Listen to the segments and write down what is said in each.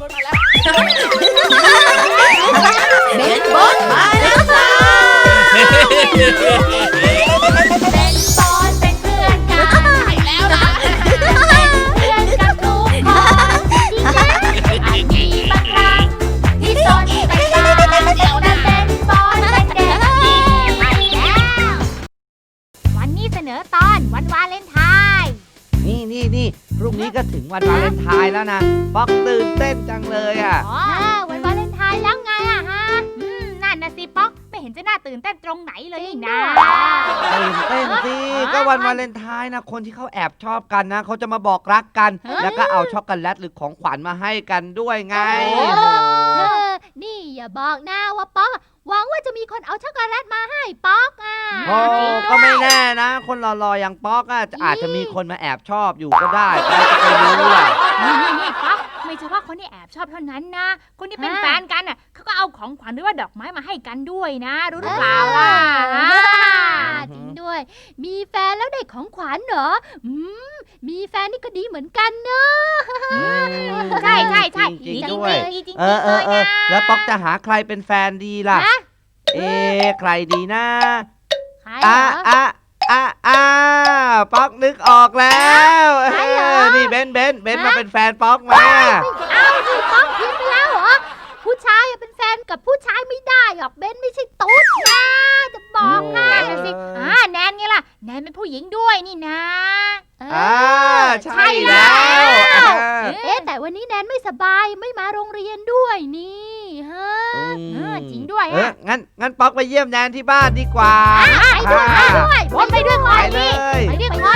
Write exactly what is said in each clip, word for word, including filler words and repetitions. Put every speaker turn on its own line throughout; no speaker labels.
บนมาแล้ว
เบนบอสมาแล้วค่ะ
เป็นบอสเป็นเพื่อนกันใช่แล้วนะเป็นเพื่อนกับทุกคนจริงๆอาจมีบางครั้งที่สนแต่ตาแต่เป็นบอสเป็นเด็กดีไปแล้ววันนี้เสนอตอนวันวาเลนไทน์
นี่นี่นี่พรุ่งนี้ก็ถึงวันวาเลนไทน์แล้วนะป๊อกตื่นเต้นจังเลยอ่ะ
อ๋อวันวาเลนไทน์แล้วไงอะฮะอืมนั่นนะสิป๊อกไม่เห็นจะน่าตื่นเต้นตรงไหนเลยนี่นะ
ตื่นเต้นสิก็วันวาเลนไทน์นะคนที่เขาแอบชอบกันนะเขาจะมาบอกรักกันแล้วก็เอาช็อกโกแลตหรือของขวัญมาให้กันด้วยไง
นี่อย่าบอกนะว่าป๊อกหวังว่าจะมีคนเอาช็อกโกแลตมาให้ป๊อกอ่ะ
โอ้ก็ไม่แน่นะคนหล่อๆอย่างป๊อกอ่ะอาจจะมีคนมาแอบชอบอยู่ก็ได้ใครจะไปรู้อ่ะ
นี่นี่ป๊อกไม่ใช่ว่าคนที่แอบชอบเท่านั้นนะคนที่เป็นแฟนกันอ่ะเขาก็เอาของขวัญหรือว่าดอกไม้มาให้กันด้วยนะรู้หรือเปล่าล่ะ
จริงด้วยมีแฟนแล้วได้ของขวัญเหรออืมมีแฟนนี่ก็ดีเหมือนกันเนอะ
ใช่ใช่ใช่
จริงด้วยเออเออเออแล้วป๊อกจะหาใครเป็นแฟนดีล่ะเอ๊ะใครดีนะอ่ะอ่ะอ่ะอ่ะป๊อกนึกออกแล้วนี่เบนเบนเบนมาเป็นแฟนป๊อกมา
อ้าวนี่ป๊อกผิดไปแล้วเหรอผู้ชายเป็นแฟนกับผู้ชายไม่ได้หรอกเบนไม่ใช่ตุ๊ดนะจะบอกให้
นะสิอ่าแนนไงล่ะแนนเป็นผู้หญิงด้วยนี่นะ
อ่าใช่แล้ว
เอ๊ะแต่วันนี้แนนไม่สบายไม่มาโรงเรียนด้วยนี่ฮะ
จริงด้วย
เอองั้นงั้นป๊อกไปเยี่ยมแนนที่บ้านดีกว่า
ไปด้วยไปด้วยวนไปด้วยก่อนดิไปด้วยก่อน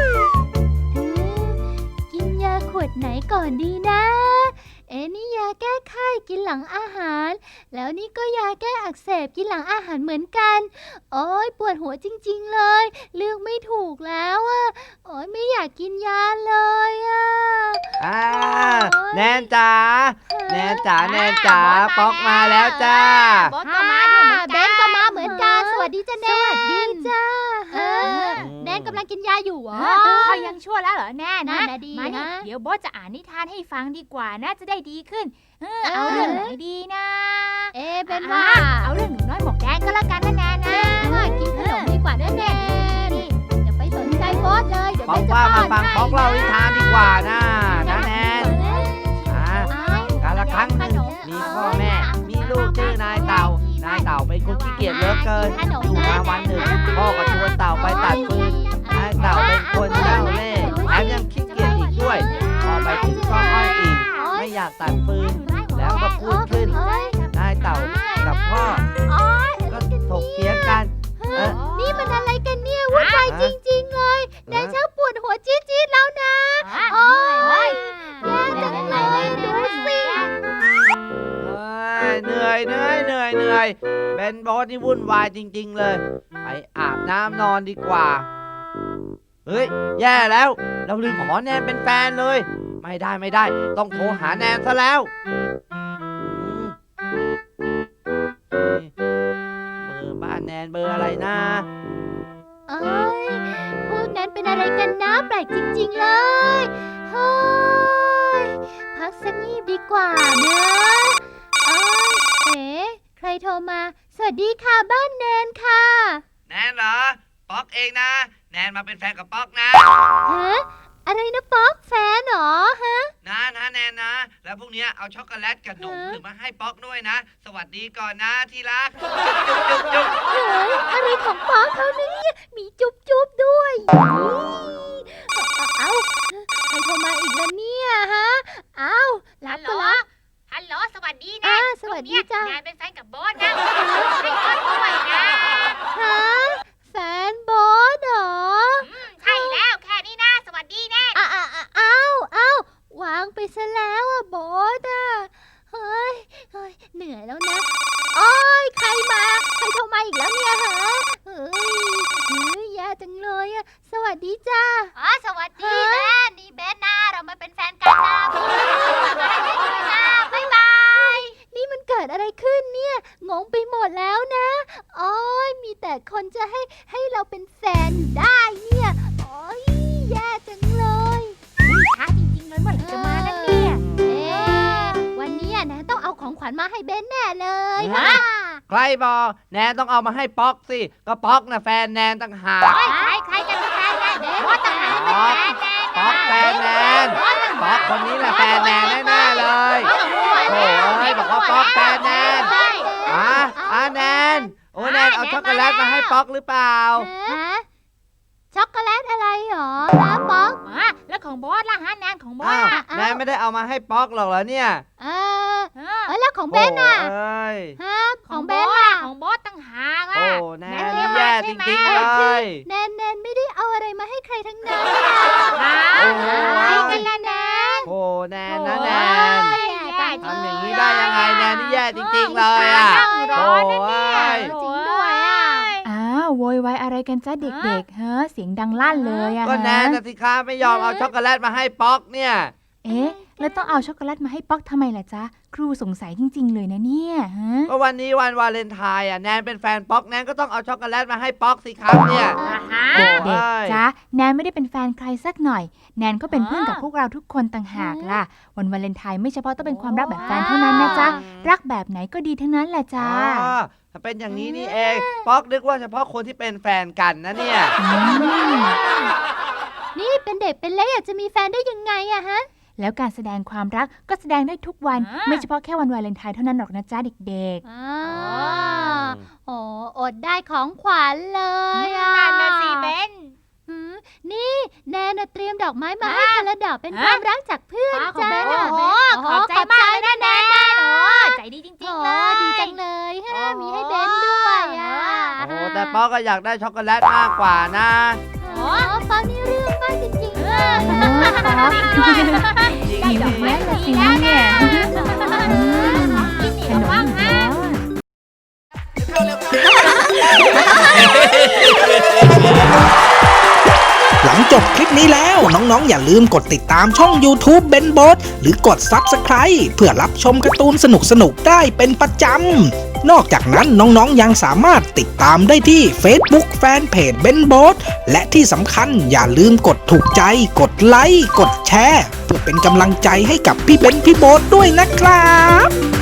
กินยาขวดไหนก่อนดีนะเอ๊ะนี่ยาแก้ไข้กินหลังอาหารแล้วนี่ก็ยาแก้อักเสบกินหลังอาหารเหมือนกันโอ๊ยปวดหัวจริงๆเลยเลือกไม่ถูกแล้วอ่ะโอ๊ยไม่อยากกินยาเลยอ่ะ
อ่าแนนจ๋าแนนจ๋าแนนจ๋าป๊อกมาแล้วจ้า
บอสก็มาด้วยเหมือนกันเบนก็มาเหมือนกันสวัสดีจ้าแนนสวัสดีจ้าแนนกำลังกินยาอยู่เหรอ
เขายังชั่วแล้วเหรอแน่นะ
มาดิ
เดี๋ยวบอสจะอ่านนิทานให้ฟังดีกว่าน่าจะได้ดีขึ้นเออเอาเรื่องไหนดีนะ
เอ๊ะเป็นว่า
เอาเรื่องหนูน้อยหมวกแดงก็แล้วกันนะแนนนะ
กินขนมดีกว่านะแนนอย่าไปสนใจบอสเลยเดี๋ยว
ป๊อกว่ามาฟังป๊อกเล่านิทานดีกว่านะนะแนนกาละครั้งหนึ่งมีพ่อแม่มีลูกชื่อนายเต่านายเต่าเป็นคนขี้เกียจเหลือเกินอยู่มาวันหนึ่งพ่อก็ชวนเต่าไปตัดฟืนนายเต่าเป็นคนเจ้าเล่ห์แถมยังขี้เกียจอีกด้วยพอไปถึงก็อ้อยอีกไม่อยากตัดฟืนแล้วก็พูดขึ้นนายเต่ากับพ่อก็ถกเถียงกัน
นี่มันอะไรกันเนี่ยวุ่นวายจริงๆเลยนายช่างปวดหัวจี๊ดๆแล้วนะโอ๊ยแย่จังเลยดูสิ
เหนื่อยเหนื่อยเหนื่อยเหนื่อยเบนบอสนี่วุ่นวายจริงๆเลยไปอาบน้ำนอนดีกว่าเฮ้ยแย่แล้วเราลืมขอแนนเป็นแฟนเลยไม่ได้ไม่ได้ต้องโทรหาแนนซะแล้วเบอร์บ้านแนนเบอร์อะไรนะ
เอ้ยพวกนั้นเป็นอะไรกันนะแปลกจริงๆเลยเฮ้ยพักสักนิดดีกว่านะเอ้ยเอ๋ใครโทรมาสวัสดีค่ะบ้านแนนค่ะ
แนนเหรอป๊อกเองนะแนนมาเป็นแฟนกับป๊อกนะ
ฮะอะไรนะป๊อกแฟนเหรอฮะ
นะนะแนนนะแล้วพวกนี้เอาช็อกโกแลตกับนมหรือมาให้ป๊อกด้วยนะสวัสดีก่อนนะที่รักจุ๊บจุ๊บจุ๊บ
เฮ้ยอะไรของป๊อกเขาเนี่ยมีจุ๊บจุ๊บด้วยเอ้าใครโทรมาอีกแล้วเนี่ยฮะเอ้ารับก็รับ
ฮัลโหลสวัสดีนะ
สวัสดีจ้า
แนนเป็นแฟนกับบอสนะให้บอสด้วยนะ
ฮะแฟนบอสเหรอ
ใช่แล้วแค่นี้นะสวัสดีแน่
อ้าวอ้าวอ้าววางไปซะแล้วอ่ะบอสอ่ะเฮ้ยเฮ้ยเหนื่อยแล้วนะโอ้ยใครมาใครโทรมาอีกแล้วเนี่ยฮะเฮ้ยเฮ้ยแย่จังเลยอ่ะสวัสดีจ้า
อ๋อสวัสดีแม่นี่เบนนะเรามาเป็นแฟนกันนะมาให้ด้วยนะบ๊ายบาย
นี่มันเกิดอะไรขึ้นเนี่ยงงไปหมดแล้วนะโอ้ยมีแต่คนจะให้ให้เราเป็นแฟนได้เนี่ยโอ้ยแย่จังเลย
ช้าจริงๆเลยเมื่อไหร่จะมานั่นเนี่ย
เอ๊ะ
ญมาให้เบนแน่เลย
ฮะ ใครบอกแนนต้องเอามาให้ป๊อกสิก็ป๊อกนะแฟนแนนต่างหาก
ใครใครจะเป็นแฟนแนนบอสต่างหากเป็นแฟนแนน
ป๊อกแฟนแนนป๊อกคนนี้แหละแฟนแนนแน่ๆเลยโอ้ยบอกว่าป๊อกแฟนแนนอ่ะอ่ะแนนโอ้แนนเอาช็อกโกแลตมาให้ป๊อกหรือเปล่า
ฮะช็อกโกแลตอะไรหรอฮะป๊อก
อ่ะแล้วของบอสล่ะฮะแนนของบอส
อ้าว
อ่ะ
แนนไม่ได้เอามาให้ป๊อกหรอกเหรอเนี่ย
เออ
เออ
เออแล้วของเบนอ่ะ
โอ้ย
ฮะข
ข
อ
อง ง
เบ
เบ
น
น
ล่ะ
ของบอสต่างหาก
โอ้
อ่ะ
แนนนี่แย่จริงๆเลย
แนนแนนไม่ได้เอาอะไรมาให้ใครทั้งนั้น
หา
โอ้
อะไรกันล่ะแนน
โอ้แนนนะแนน
แย่
ทำอย่างนี้ได้ยังไงแนนนี่แย่จริงๆเลยอ่ะ
นั่งรอนะเนี่ย
จริงด้วยอ่ะ
อ้าวโวยวายอะไรกันจ้าเด็กๆเฮ้อเสียงดังลั่นเลยอะ
ก็แนน
ฮะ
นะสิคะไม่ยอมเอาช็อกโกแลตมาให้ป๊อกเนี่ย
เอ๊ะแล้วต้องเอาช็อกโกแลตมาให้ป๊อกทำไมล่ะจ๊ะครูสงสัยจริง ๆ เลยนะเนี่ยฮะ
ก็วันนี้วันวาเลนไทน์อ่ะแนนเป็นแฟนป๊อกแนนก็ต้องเอาช็อกโกแลตมาให้ป๊อกสิครับเนี่ย
อ่าฮะ
โอ้
เด็ก
ย
ๆจ๊ะแนนไม่ได้เป็นแฟนใครสักหน่อย แนนก็เป็นเพื่อนกับพวกเราทุกคนต่างหากล่ะวันวาเลนไทน์ไม่เฉพาะต้องเป็นความรักแบบแฟนเท่านั้นนะจ๊ะรักแบบไหนก็ดีทั้งนั้นแหละจ้า
อ๋อถ้าเป็นอย่างนี้นี่เองป๊อกนึกว่าเฉพาะคนที่เป็นแฟนกันนะเนี่ย
อืม
นี่เป็นเด็กเป็นเล็กอยากจะมีแฟนได้ยังไงอะฮะ
แล้วการแสดงความรักก็แสดงได้ทุกวัน
อ่า
ไม่เฉพาะแค่วันวาเลนไทน์เท่านั้นหรอกนะจ๊ะเด็ก
อ่าโอ้อดได้ของขวัญเลยอ่ะ
นั่นนะสิเบน
หืมนี่แนนน่ะเตรียมดอกไม้มาให้คนละดอกเป็นความรักจากเพื่อน
ของ
จ้า
เบนโอ้โหขอบใจมากเลยนะแนนโอ้ใจดีจริง
โอ้
ๆเลย
ดีจังเลยฮะมีให้เบนด้วยอ่ะ
โอ้แต่ป๊อกก็อยากได้ช็อกโกแลตมากกว่านะ
โอ้ฟังนี่เรื่องมากจริงๆเลย
ๆโอ้ป๊อก
ได้ดอกไม้
ละ
ดี
สิ
แล้ว
เนี่
เนี่ย ย
อืม
กิน
ข
นี่
น
บ้าม ง
อีก
ฮะ
แล้ว
หลังจบคลิปนี้แล้วน้องๆอย่าลืมกดติดตามช่อง YouTube เบนโบสหรือกด ซับสไครบ์ เพื่อรับชมการ์ตูนสนุกๆได้เป็นประจำ นอกจากนั้นน้องๆยังสามารถติดตามได้ที่ Facebook แฟนเพจเบนโบสและที่สำคัญอย่าลืมกดถูกใจ กดไลค์ กดแชร์ เพื่อเป็นกำลังใจให้กับพี่เบนพี่โบสด้วยนะครับ